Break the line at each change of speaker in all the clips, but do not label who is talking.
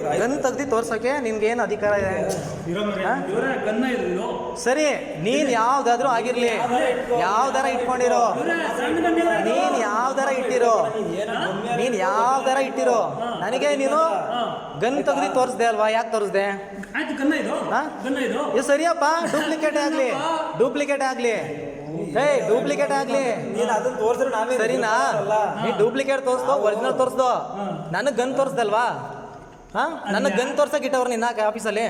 Gun ತೆಗ್ದು ತೋರ್ಸೋಕೆ ನಿನ್ಗೆ ಏನು ಅಧಿಕಾರ ಇದೆ? ಸರಿ, ನೀನ್ ಯಾವ್ದಾದ್ರೂ ಆಗಿರ್ಲಿ, ಯಾವ್ದಾರ ಇಟ್ಕೊಂಡಿರೋ, ನೀನ್ ಯಾವ್ದಾರ ಇಟ್ಟಿರೋ, ನನಗೆ ನೀನು ಗನ್ ತೆಗ್ದು ತೋರಿಸ್ದೆ ಅಲ್ವಾ? ಯಾಕೆ ತೋರಿಸ್ದೆ? ಇದು ಸರಿಯಪ್ಪ, ಡೂಪ್ಲಿಕೇಟ್ ಆಗ್ಲಿ ಸರಿನಾ? ನೀ ಡೂಪ್ಲಿಕೇಟ್ ತೋರಿಸ್ದೋ ಒರಿಜಿನಲ್ ತೋರಿಸ್ದೋ, ನನಗೆ ಗನ್ ತೋರಿಸ್ದಲ್ವಾ? ನನಗೆ ಗನ್ ತೋರ್ಸಕ್ ಇಟ್ಟವ್ರು ನಿನ್ನ ಆಫೀಸಲ್ಲಿ.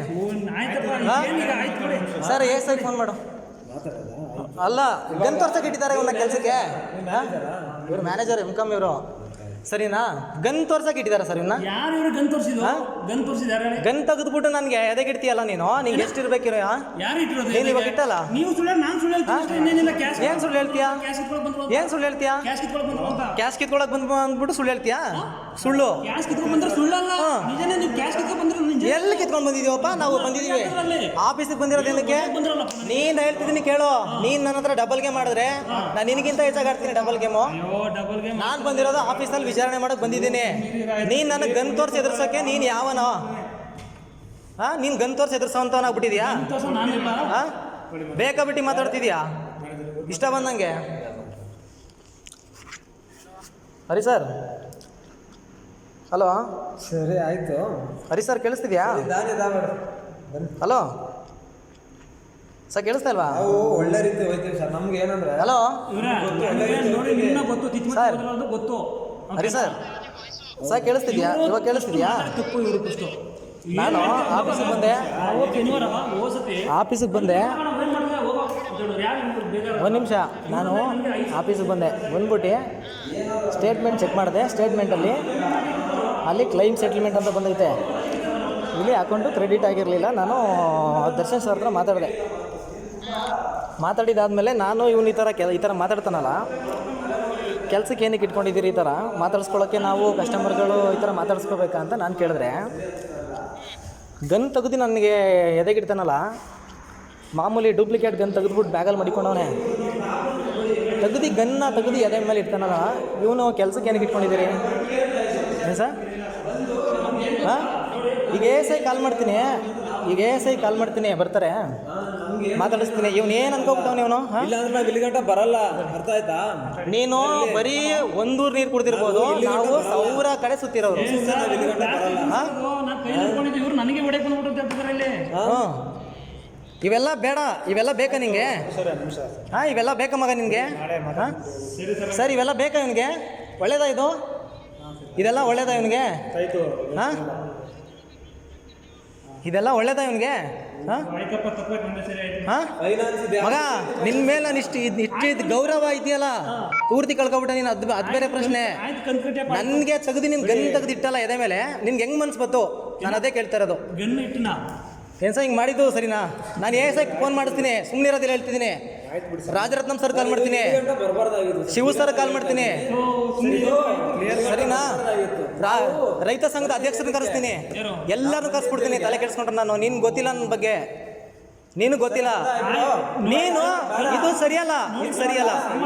ಸರ್ ಸರಿ ಫೋನ್ ಮಾಡು. ಅಲ್ಲ, ಗನ್ ತೋರ್ಸಕ್ ಇಟ್ಟಿದ್ದಾರೆ ಇವನ್ನ ಕೆಲಸಕ್ಕೆ. ಇವ್ರು ಮ್ಯಾನೇಜರ್ MCOM ಇವರು, ಸರಿನಾ? ಗನ್ ತೋರ್ಸಕ್ ಇಟ್ಟಿದಾರ ಸರ್ ಇವನ್ನ. ಗನ್ ತೆಗೆದ್ಬಿಟ್ಟು ನನ್ಗೆ ಎದೆಗೆ ಇಡ್ತೀಯಲ್ಲ ನೀನು? ನಿಂಗೆ ಎಷ್ಟು ಇರ್ಬೇಕಿರೋ? ನೀನು ಇವಾಗ ಇಟ್ಟಲ್ಲ. ಏನ್ ಸುಳ್ಳು ಹೇಳ್ತೀಯಾ? ಕ್ಯಾಶ್ ಕಿತ್ಕೊಳಕ್ ಬಂದ್ಬಿಟ್ಟು ಸುಳ್ಳು ಹೇಳ್ತೀಯಾ? ಸುಳ್ಳು ಎಲ್ಲಿ ಕಿತ್ಕೊಂಡ್ ಬಂದಿದೀವಪ್ಪ? ನಾವು ಬಂದಿದೀವಿ ಆಫೀಸಿಗೆ ಬಂದಿರೋದು ಏನಕ್ಕೆ? ನೀನ್ ಹೇಳ್ತಿದ್ದೀನಿ ಕೇಳು. ನೀನ್ ನನ್ನ ಹತ್ರ ಡಬಲ್ ಗೇಮ್ ಮಾಡಿದ್ರೆ ನಾನು ನಿನಗಿಂತ ಹೆಚ್ಚಾಗಿ ಆಡ್ತೀನಿ ಡಬಲ್ ಗೇಮು. ನಾನ್ ಬಂದಿರೋದು ಆಫೀಸಲ್ಲಿ ವಿಚಾರಣೆ ಮಾಡಕ್ ಬಂದಿದ್ದೀನಿ. ನೀನ್ ನನಗೆ ಗನ್ ತೋರ್ಸಿ ಎದುರ್ಸೋಕೆ ನೀನ್ ಯಾವನೋ? ನೀನ್ ಗನ್ ತೋರ್ಸಿ ಎದುರ್ಸೋಂತವನಾಗ್ಬಿಟ್ಟಿದ್ಯಾ? ಬೇಕಾಬಿಟ್ಟು ಮಾತಾಡ್ತಿದ್ಯಾ ಇಷ್ಟ ಬಂದಂಗೆ? Hari sir, hello.
ಸರಿ ಆಯ್ತು.
ಹರಿ ಸರ್ ಕೇಳಿಸ್ತಿದ್ಯಾ? ಹಲೋ ಸರ್, ಕೇಳಿಸ್ತಾ ಇಲ್ವಾ?
ಒಳ್ಳೆ ರೀತಿ ಹೋಯ್ತೀವಿ ಸರ್. ನಮ್ಗೆ ಏನಂದ್ರೆ
hello sir. Hari sir, sir ಕೇಳಿಸ್ತಿದ್ಯಾ? ಇವಾಗ ಕೇಳಿಸ್ತಿದ್ಯಾ? ನಾನು ಆಫೀಸಿಗೆ ಬಂದೆ. ಒಂದು ನಿಮಿಷ, ನಾನು ಆಫೀಸಿಗೆ ಬಂದ್ಬಿಟ್ಟು ಸ್ಟೇಟ್ಮೆಂಟ್ ಚೆಕ್ ಮಾಡಿದೆ. ಸ್ಟೇಟ್ಮೆಂಟಲ್ಲಿ ಅಲ್ಲಿ ಕ್ಲೈಮ್ ಸೆಟಲ್ಮೆಂಟ್ ಅಂತ ಬಂದೈತೆ. ಇಲ್ಲಿ ಅಕೌಂಟು ಕ್ರೆಡಿಟ್ ಆಗಿರಲಿಲ್ಲ. ನಾನು ದರ್ಶನ್ ಸರ್ ಹತ್ರ ಮಾತಾಡಿದಾದ್ಮೇಲೆ ನಾನು ಇವನು ಈ ಥರ ಮಾತಾಡ್ತಾನಲ್ಲ, ಕೆಲಸಕ್ಕೆ ಏನಕ್ಕೆ ಇಟ್ಕೊಂಡಿದ್ದೀರಿ ಈ ಥರ ಮಾತಾಡ್ಸ್ಕೊಳ್ಳೋಕ್ಕೆ? ನಾವು ಕಸ್ಟಮರ್ಗಳು ಈ ಥರ ಮಾತಾಡ್ಸ್ಕೋಬೇಕಾ ಅಂತ ನಾನು ಕೇಳಿದ್ರೆ, ಗನ್ ತೆಗೆದು ನನಗೆ ಎದೆಗಿಡ್ತಾನಲ್ಲ, ಮಾಮೂಲಿ ಡೂಪ್ಲಿಕೇಟ್ ಗನ್ ತೆಗೆದ್ಬಿಟ್ಟು ಬ್ಯಾಗಲ್ಲಿ ಮಡಿಕೊಂಡವನೇ. ತೆಗೆದು ಎದೆ ಮೇಲೆ ಇಡ್ತಾನಲ್ಲ, ಇವನು ಕೆಲಸಕ್ಕೆ ಏನಕ್ಕೆ ಇಟ್ಕೊಂಡಿದ್ದೀರಿ ಏನು ಸರ್? ಈಗ ASI ಕಾಲ್ ಮಾಡ್ತೀನಿ, ಬರ್ತಾರೆ, ಮಾತಾಡಿಸ್ತೀನಿ. ಇವನು ಏನು ಅನ್ಕೋಬಿಟ್ಟವನು ಇವನು?
ಇಲ್ಲಾಂದ್ರೆ ನಾವು ಇಲ್ಲಿ ಗಂಟ ಬರಲ್ಲ. ಅರ್ಥ ಆಯ್ತಾ?
ನೀನು ಬರೀ ಒಂದೂರು ನೀರು ಕುಡ್ದಿರ್ಬೋದು, ನಾವು 1000 ಕಡೆ ಸುತ್ತಿರೋರು. ಇವೆಲ್ಲ ಬೇಡ, ಇವೆಲ್ಲ ಬೇಕಾ ನಿಂಗೆ? ಇವೆಲ್ಲ ಬೇಕಾ ಮಗ ನಿನಗೆ? ಸರ್, ಇವೆಲ್ಲ ಬೇಕಾ ಇವನಿಗೆ? ಒಳ್ಳೇದಾ ಇದು? ಇದೆಲ್ಲ ಒಳ್ಳೇದಾ ಇವನಿಗೆ? ಇದೆಲ್ಲ ಒಳ್ಳೇದಾ ಇವನಿಗೆ? ಮಗ, ನಿನ್ ಮೇಲೆ ನಾನು ಇಷ್ಟಿದ್ ಗೌರವ ಇದೆಯಲ್ಲ, ಪೂರ್ತಿ ಕಳ್ಕೊಬಿಟ್ಟೆ ನೀನು. ಅದು ಬೇರೆ ಪ್ರಶ್ನೆ. ನನ್ಗೆ ತೆಗ್ದು ನಿನ್ ಗನ್ ತೆಗ್ದಿಟ್ಟಲ್ಲ ಎದೆ ಮೇಲೆ, ನಿನ್ಗೆ ಹೆಂಗ್ ಮನ್ಸು ಬಂತು? ನಾನು ಅದೇ ಕೇಳ್ತಾ ಇರೋದು. ಏನ್ ಸರ್ ಹಿಂಗೆ ಮಾಡಿದ್ದು ಸರಿನಾ? ನಾನು ASI ಫೋನ್ ಮಾಡಿಸ್ತೀನಿ, ಸುಮ್ಮನೆ ಇರೋದಿಲ್ಲ ಹೇಳ್ತಿದ್ದೀನಿ. ರಾಜರತ್ನಂ ಸರ್ ಕಾಲ್ ಮಾಡ್ತೀನಿ, ಶಿವ ಸರ್ ಕಾಲ್ ಮಾಡ್ತೀನಿ, ಸರಿನಾ? ರೈತ ಸಂಘದ ಅಧ್ಯಕ್ಷರನ್ನ ಕರೆಸ್ತೀನಿ, ಎಲ್ಲರನ್ನೂ ಕರೆಸ್ಬಿಡ್ತೀನಿ. ತಲೆ ಕೆಡಿಸ್ಕೊಂಡ್ರೆ ನಾನು, ನಿನ್ಗೆ ಗೊತ್ತಿಲ್ಲ ನನ್ನ ಬಗ್ಗೆ, ನೀನು ಗೊತ್ತಿಲ್ಲ. ನೀನು ಇದು ಸರಿಯಲ್ಲ.